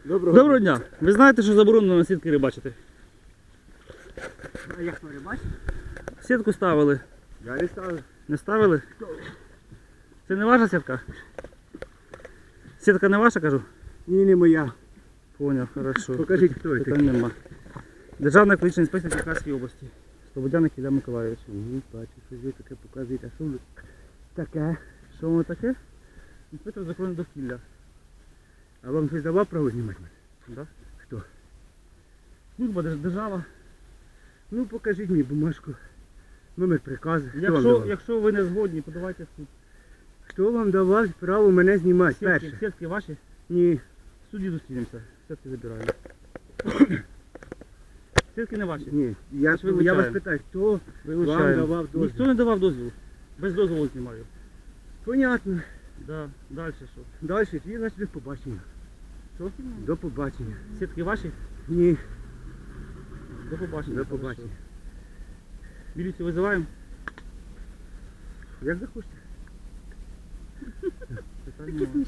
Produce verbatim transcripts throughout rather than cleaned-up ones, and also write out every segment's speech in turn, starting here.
Доброго, Доброго дня. Ви знаєте, що заборонено на сітки рибачити? А як хто рибачить? Сітку ставили. Я не ставив. Не ставили? Це не ваша сітка? Сітка не ваша, кажу? Ні, не моя. Поняв, хорошо. Покажіть, хто це. Питань нема. Державна екологічна інспекція Черкаської області. Слободяник Ілля Миколайович. Угу, бачу, що ви таке показуєте. А що ви таке? Що воно таке? Інспектор з охорони довкілля. А вам хтось давав право знімати мене? Да? Хто? Служба держ- держава. Ну покажіть мені бумажку. Номер приказу. Хто вам Якщо, давав? якщо ви не згодні, подавайте в суд. Хто вам давав право мене знімати? Сітки, Перше. сітки ваші? Ні. В суді зустрінемося. Сітки забираємо. Сітки не ваші. Ні. Я, Значить, я вас вилучаємо. питаю, хто вам Вилучаємо. давав дозвіл? Ніхто не давав дозволу. Без дозволу знімаю. Понятно. Да. Далі що? Далі, твій, значить, до побачення. Що? До побачення. Сітки ваші? Ні. До побачення. До побачення. Міліцію визиваємо? Як захочете. Питань немає.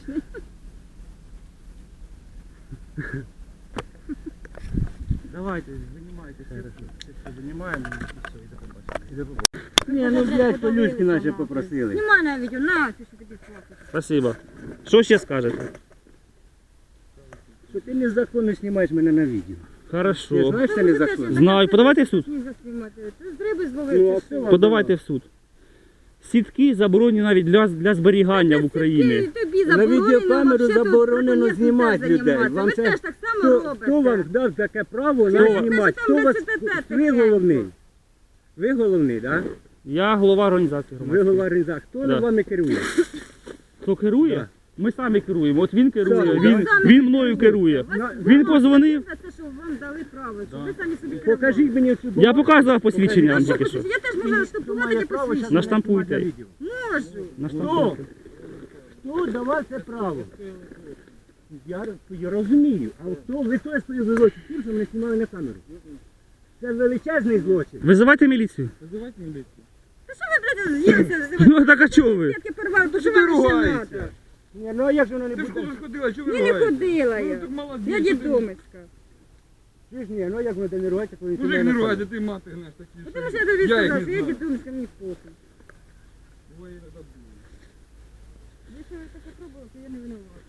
Давайте, займайтеся. Все, займаємо і все, і до побачення. І до побачення. Ні, ну блядь, по-людськи наче попросили. Нема навіть, на, ти що тобі платиш. Спасибо. Що ще скажете? Що ти незаконно знімаєш мене на відео. Ти Хорошо. знаєш, це незаконно? Знаю. Подавайте в суд. Сніг заснімати. Ти з риби Ну, зловив. а чи це що? вам Подавайте в суд. Сітки заборонені навіть для, для зберігання в Україні. Ти- Тобі На заборонено, відеокамеру вообще тут заборонено браконьєрством знімати теж людей. займатися. Вам Ви це- теж так само Хто, робите. хто вам дав таке право Чого? нас Ви знімати? ж Хто там вас... десяте Ви тихенько. головний. Ви головний, так? Да? Я голова організації Ви громадської. голова організації. Хто Да. вами керує? Хто керує? Да. Ми самі керуємо. От він керує, Самі. він, Самі він мною керує. Вас На- Він позвонив. За те, що вам дали право, що Да. ви самі собі Покажіть мені цю Я бумагу. показував посвідчення вам Покажіть. тільки що. Я теж можу штампувати Має право посвідчення. щас Наштампуйте. мене знімати на відео. Можу. На Хто? штампунку. Хто давав це право? Я, роз- я розумію. А хто ви той свою злочин тим, що мене знімали на камеру? Це величезний злочин. Визивайте міліцію. Визивайте міліцію. Та що ви, блядь, з'їлися? Ну так а чого ви? Сітки порвали, то що вам ще треба? Ні, ну а як же воно не Ти в буде? школу ходила, чого ви Я не ругаєте? ходила Ну, я. так молодець. Я що ти- дідомицька. Чи ж ні, ну як воно не ругається, коли ти Мужик мене не на ругайте, камеру? ти мати гнеш такі. Ну, що- Тому що я тобі Я їх сказала, не що я знаю. дідомицька, мені похуй. Ой, не забув. Якщо ви таке пробували, то я не винувата.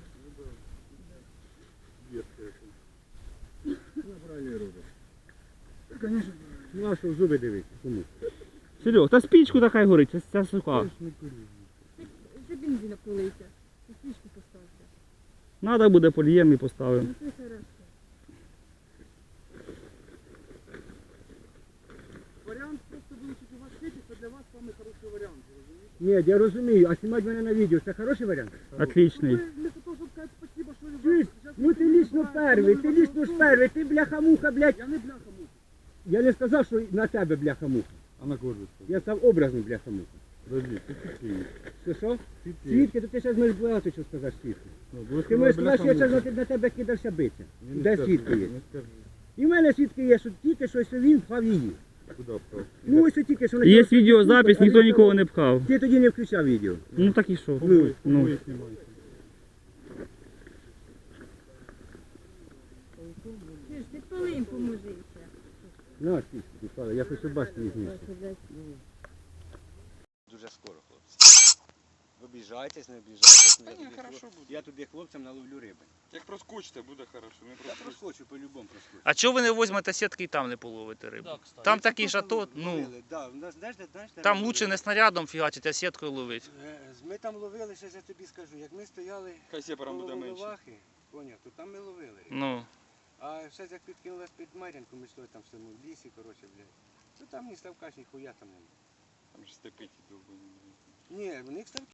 Ну а що в зуби дивитися? Кому? Серег, та спічку така й горить, ця, ця сука. Це бензина полийся. І свічку поставте. Надо буде полієм і поставимо. Ну це хорошо. Варіант просто вилучити у вас світі, це для вас саме хороший варіант, розумієте? Ні, я розумію, а знімати мене на відео, це хороший варіант? Отличний. Чуєш? Ну ти лічно перший, ти лічно ж перший, ти бляха-муха, блядь. Я не бляха-муха. Я не сказав, що на тебе бляха-муха. А на кого? Я сказав образно бляха-муха. Подожди, ти тихий. Що що? Ти Свідки, то ти зараз можеш багато що сказати свідки. Ну, Ти можеш сказати, що я зараз на тебе кидався бити. Де свідки є? Не скажи. І в мене свідки є, що тільки що що він впав її. Куди впав? Ну ось тільки що на Є цьому- відеозапис, ніхто нікого не пхав. Ти тоді не включав відео. Ну так і що? Ну, Ну. Ти ж ти полим поможися. На, свідки, Павло, я хочу бачити їх місце. Дуже скоро, хлопці. Обіжайтесь, не обіжайтесь. Та Я ні, тобі хорошо хлоп- буде. Я тобі хлопцям наловлю риби. Як проскочите, буде хорошо. Не Я проскочите. проскочу, по-любому проскочу. А чого ви не візьмете сітки і там не половите рибу? Там такий шатот, ну, Ловили, да. У нас, знаєш, де- знаєш, де там ми лучше ловили? не снарядом фігачити, а сіткою ловити. Е, Ми там ловили, ще я тобі скажу, як ми стояли Хай сепаром буде коло менше. Волновахи, поняв, то там ми ловили рибу. Ну, А ще як підкинулась під Мар'янку, ми йшли там в цьому лісі, коротше, блядь. То там ні ставка, ні хуя там немає. Там ж степить довго. Ні, в них ставки